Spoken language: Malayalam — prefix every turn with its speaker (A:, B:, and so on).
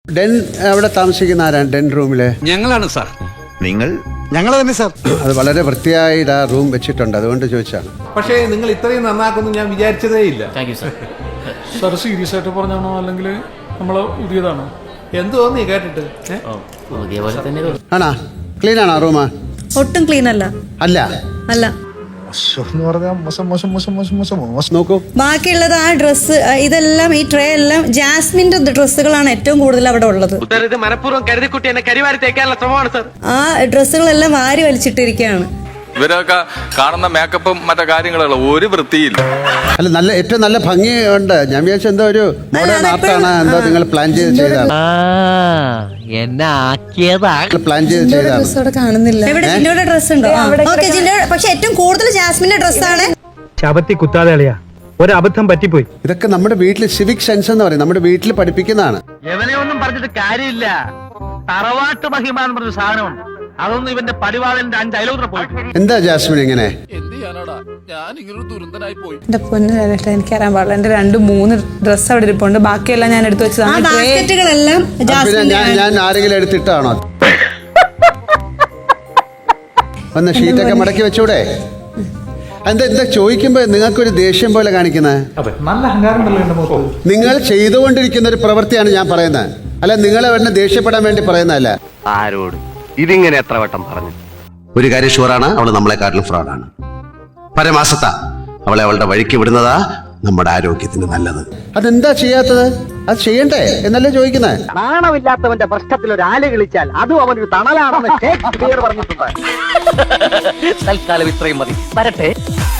A: ഡെൻ അവിടെ താമസിക്കുന്ന ആരാണ് ഡെൻ റൂമില്?
B: ഞങ്ങളാണ് സാർ.
C: ഞങ്ങൾ തന്നെ സാർ.
A: അത് വളരെ വൃത്തിയായി ആ റൂം വെച്ചിട്ടുണ്ട്, അതുകൊണ്ട് ചോദിച്ചാണ്.
D: പക്ഷേ നിങ്ങൾ ഇത്രയും നന്നാക്കുന്നു ഞാൻ വിചാരിച്ചതേ ഇല്ല.
E: സാർ സീരിയസ് ആയിട്ട് പറഞ്ഞാണോ അല്ലെങ്കിൽ നമ്മള് പുതിയതാണോ?
D: എന്ത് തോന്നി കേട്ടിട്ട്?
A: ആണാ ക്ലീൻ ആണോ റൂമ്?
F: ഒട്ടും ക്ലീൻ അല്ല.
A: അല്ല
F: അല്ല
C: എന്ന് പറഞ്ഞാൽ മോശം.
A: നോക്കൂ,
F: ബാക്കിയുള്ളത് ആ ഡ്രസ്സ് ഇതെല്ലാം ഈ ട്രേ എല്ലാം ജാസ്മിന്റെ ഡ്രസ്സുകളാണ് ഏറ്റവും കൂടുതൽ അവിടെ ഉള്ളത്.
G: ഇത് മനഃപൂർവ്വം കരുതിക്കുട്ടി എന്നെ കരിവാരി തേക്കാനുള്ള ശ്രമമാണ് സർ.
F: ആ ഡ്രസ്സുകളെല്ലാം വാരി വലിച്ചിട്ടിരിക്കുകയാണ്.
H: ഇവരൊക്കെ കാണുന്ന മേക്കപ്പും മറ്റു കാര്യങ്ങളുള്ള ഒരു വൃത്തിയില്ല.
A: അല്ല നല്ല ഏറ്റവും നല്ല ഭംഗിയുണ്ട്. ഞാൻ വിചാരിച്ച എന്തോ ഒരു മോഡേൺ ആർട്ടാണ്, എന്തോ നിങ്ങൾ പ്ലാൻ ചെയ്താണ്. പ്ലാൻ ചെയ്താണ്.
F: ഡ്രസ്സ് അവിടെ കാണുന്നില്ല. എവിടെ ജിൻഡോയുടെ ഡ്രസ്സ് ഉണ്ടോ? ഓക്കെ ജിൻഡോ, പക്ഷെ ഏറ്റവും കൂടുതൽ ജാസ്മിന്റെ ഡ്രസ്സാണ്.
I: ശബത്തി കുത്താതെ അളിയാ, ഒരു അബദ്ധം പറ്റിപ്പോയി.
A: ഇതൊക്കെ നമ്മുടെ വീട്ടിൽ സിവിക് സെൻസ് എന്ന് പറയും, നമ്മുടെ വീട്ടിൽ പഠിപ്പിക്കുന്നതാണ്.
G: എവനെ ഒന്നും പറഞ്ഞിട്ട് കാര്യമില്ല. തറവാട്ട് മഹിമ എന്ന് പറഞ്ഞ സാധനമുണ്ട്. അതൊന്നും ഇവന്റെ പടിവാളന്റെ 5 അയലോത്ര പോയി.
A: എന്താ ജാസ്മിൻ ഇങ്ങനെ?
J: എന്റെ പൊന്നു എനിക്കറിയാൻ പാടില്ല. എന്റെ 2-3 ഡ്രസ്സ് അവിടെ ഇരിപ്പുണ്ട്, ബാക്കിയെല്ലാം ഞാൻ എടുത്തു വെച്ചതാണ്.
F: ബാസ്ക്കറ്റുകളെല്ലാം
A: പിന്നെ ഞാൻ ആരെങ്കിലും എടുത്തിട്ടാണോ? ഒന്ന് ഷീറ്റൊക്കെ മടക്കി വെച്ചൂടെ? എന്താ ചോദിക്കുമ്പോ നിങ്ങൾക്കൊരു ദേഷ്യം പോലെ കാണിക്കുന്നത്?
E: നല്ല അഹങ്കാരം ഉണ്ടല്ലോ എന്റെ മുഖത്ത്.
A: നിങ്ങൾ ചെയ്തുകൊണ്ടിരിക്കുന്ന ഒരു പ്രവൃത്തിയാണ് ഞാൻ പറയുന്നത്, അല്ല നിങ്ങളെ വേണ്ട ദേഷ്യപ്പെടാൻ വേണ്ടി പറയുന്നതല്ല.
G: ആരോട് ഇതിങ്ങനെ എത്ര വട്ടം പറഞ്ഞു?
K: ഒരു കാര്യം ഷുവറാണ്, അവള് നമ്മളെക്കാട്ടിലും ഫ്രോഡാണ്. പരമാസത്ത അവളെ അവളുടെ വഴിക്ക് വിടുന്നതാ നമ്മുടെ ആരോഗ്യത്തിന് നല്ലത്.
A: അതെന്താ ചെയ്യാത്തത്? അത് ചെയ്യണ്ടേ എന്നല്ലേ ചോദിക്കുന്നത്?
G: നാണമില്ലാത്തവന്റെ പ്രശ്നത്തിൽ ഒരു ആല് കളിച്ചാൽ അതും അവനൊരു തണലാണെന്ന് ഷേക്സ്പിയർ പറഞ്ഞിട്ടുണ്ട്. തൽക്കാലം ഇത്രയും മതി. വരട്ടെ.